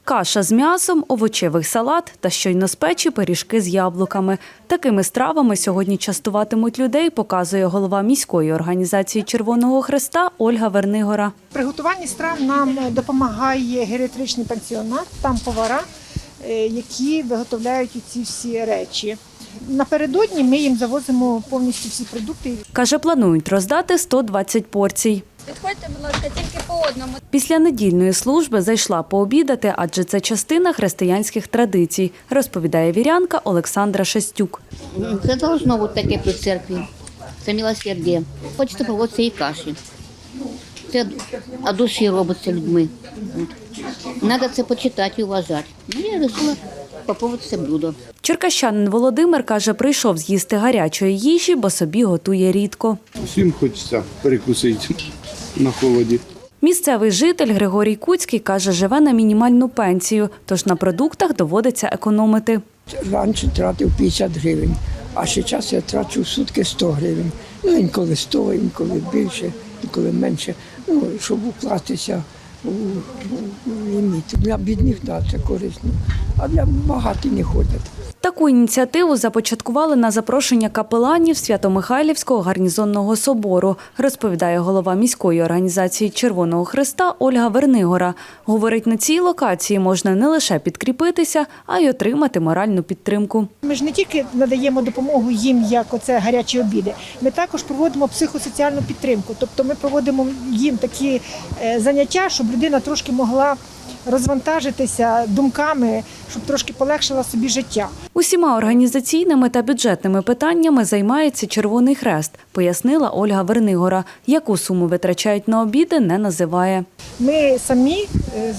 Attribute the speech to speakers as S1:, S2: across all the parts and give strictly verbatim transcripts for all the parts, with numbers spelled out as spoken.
S1: Каша з м'ясом, овочевий салат та щойно з печі пиріжки з яблуками. Такими стравами сьогодні частуватимуть людей, показує голова міської організації Червоного Хреста Ольга Вернигора.
S2: В приготуванні страв нам допомагає геріатричний пансіонат, там повара, які виготовляють ці всі речі. Напередодні ми їм завозимо повністю всі продукти.
S1: Каже, планують роздати сто двадцять порцій.
S3: Підходьте, будь ласка, тільки по одному.
S1: Після недільної служби зайшла пообідати, адже це частина християнських традицій, розповідає вірянка Олександра Шестюк.
S4: Це должно бути таке при церкві. Це милосердя. Хочеться проводити і каші. Це від душі робиться людьми. Треба це почитати і вважати. Ну, я вирішила спробувати це блюдо.
S1: Черкащанин Володимир каже, прийшов з'їсти гарячої їжі, бо собі готує рідко.
S5: Всім хочеться перекусити на холоді.
S1: Місцевий житель Григорій Куцький каже, живе на мінімальну пенсію, тож на продуктах доводиться економити.
S6: Раніше тратив п'ятдесят гривень, а зараз я трачу в сутки сто гривень. Ну, інколи сто, інколи більше, інколи менше, ну, щоб укластися у, у, у ліміт. Для бідних, да, це корисно, а для багатих не ходять.
S1: Таку ініціативу започаткували на запрошення капеланів Свято-Михайлівського гарнізонного собору, розповідає голова міської організації Червоного Хреста Ольга Вернигора. Говорить, на цій локації можна не лише підкріпитися, а й отримати моральну підтримку.
S2: Ми ж не тільки надаємо допомогу їм, як оце гарячі обіди, ми також проводимо психосоціальну підтримку. Тобто ми проводимо їм такі заняття, щоб людина трошки могла розвантажитися думками, щоб трошки полегшила собі життя.
S1: Усіма організаційними та бюджетними питаннями займається Червоний Хрест, пояснила Ольга Вернигора. Яку суму витрачають на обіди, не називає.
S2: Ми самі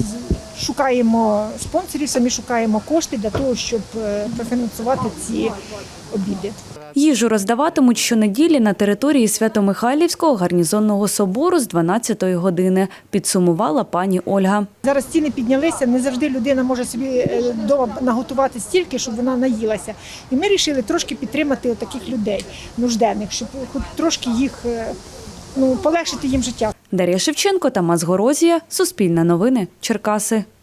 S2: шукаємо спонсорів, самі шукаємо кошти для того, щоб профінансувати ці обіди.
S1: Їжу роздаватимуть щонеділі на території Свято-Михайлівського гарнізонного собору з дванадцятої години, підсумувала пані Ольга.
S2: Зараз ціни піднялися, не завжди людина може собі вдома наготувати стільки, щоб вона наїлася. І ми вирішили трошки підтримати таких людей нужденних, щоб хоч трошки їх, ну, полегшити їм життя.
S1: Дар'я Шевченко, Тамас Горозія, Суспільне новини, Черкаси.